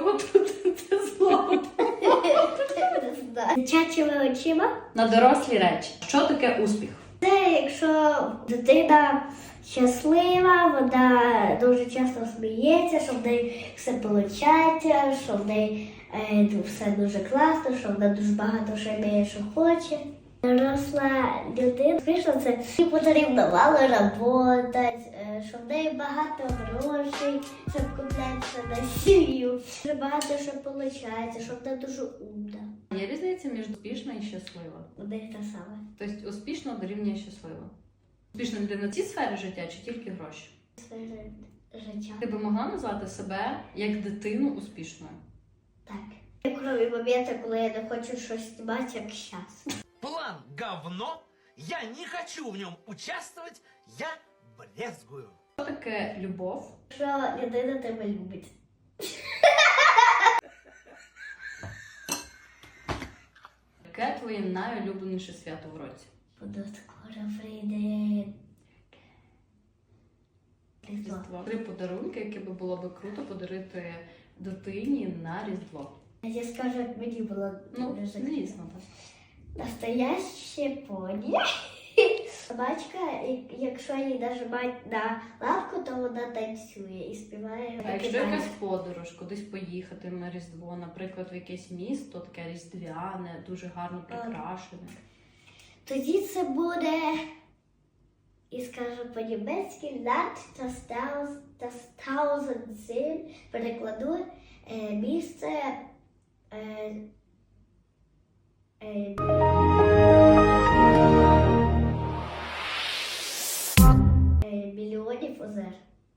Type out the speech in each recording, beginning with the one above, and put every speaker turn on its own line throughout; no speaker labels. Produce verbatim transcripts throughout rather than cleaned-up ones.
чого тут це слово?
Не знаю. Дитячими очима.
На дорослі речі. Що таке успіх?
Це якщо дитина щаслива, вона дуже часто сміється, що в неї все виходить, що в неї е, все дуже класно, що вона дуже багато що вміє, що хоче. Доросла людина, звісно, це їй потрібно мало працювати, що в неї багато грошей, щоб куплятися на сім'ю, що багато що виходить, що вона дуже умна.
Є різниця між успішна і щаслива?
У них те саме.
Тобто успішно дорівнює щаслива. Успішна людина в цій сфері життя чи тільки гроші?
Своє життя.
Ти би могла назвати себе як дитину успішною?
Так. Кроме моменту, коли я не хочу щось знімати, як зараз.
План говно, я не хочу в нем участвовать, я брезгую.
Що таке любов?
Що людина тебе любить.
Яке твоє найулюбленіше свято в році?
Бо скоро прийде Різдво.
Різдво. Три подарунки, які би було би круто подарити дитині на Різдво.
Я скажу, як мені було
Ну,
дуже
звісно, так.
настояще поні. Собачка, і- якщо її нажимати на лавку, то вона танцює і співає.
А якщо якась подорож, кудись поїхати на Різдво, наприклад, в якесь місто, таке різдвяне, дуже гарно прикрашене.
Тоді це буде, і скажу по-німецьки, Land das Taus- das Tausend Seen, перекладу е, місце е, е, е, мільйонів озер.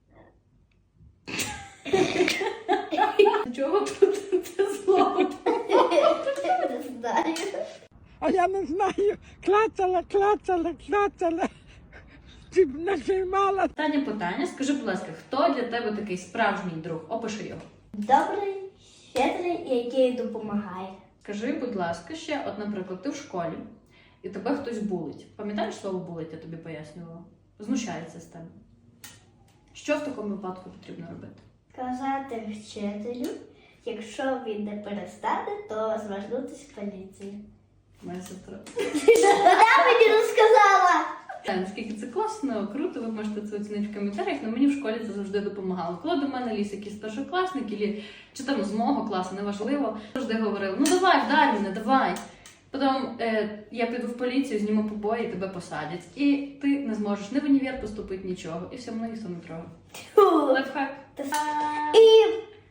Чого тут це слово?
Не знаю.
А я не знаю, клацала, клацала, клацала, чи б нажимала.
Останнє питання. Скажи, будь ласка, хто для тебе такий справжній друг? Опиши його.
Добрий, щедрий, і який допомагає.
Скажи, будь ласка, ще, от, наприклад, ти в школі, і тебе хтось булить. Пам'ятаєш слово булить, я тобі пояснювала? Знущається з тебе. Що в такому випадку потрібно робити?
Сказати вчителю, якщо він не перестане, то звернутися в поліцію.
Моя сестра.
Вона мені розказала!
Та, наскільки це класно, круто, ви можете це оцінити в коментарях, але мені в школі це завжди допомагало. Коли до мене ліз якийсь старшокласник, або, чи там з мого класу, неважливо, завжди говорили, ну давай, вдарь мене, давай. Потім е, я піду в поліцію, зніму побої і тебе посадять. І ти не зможеш ні в універ поступити, нічого. І все, мене ніхто не трогає. Лайфхак.
І...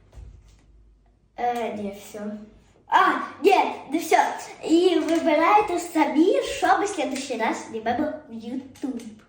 Е, ні, все. А, ні, не все. І вибирайте самі, що ми в следующий раз знімемо в YouTube.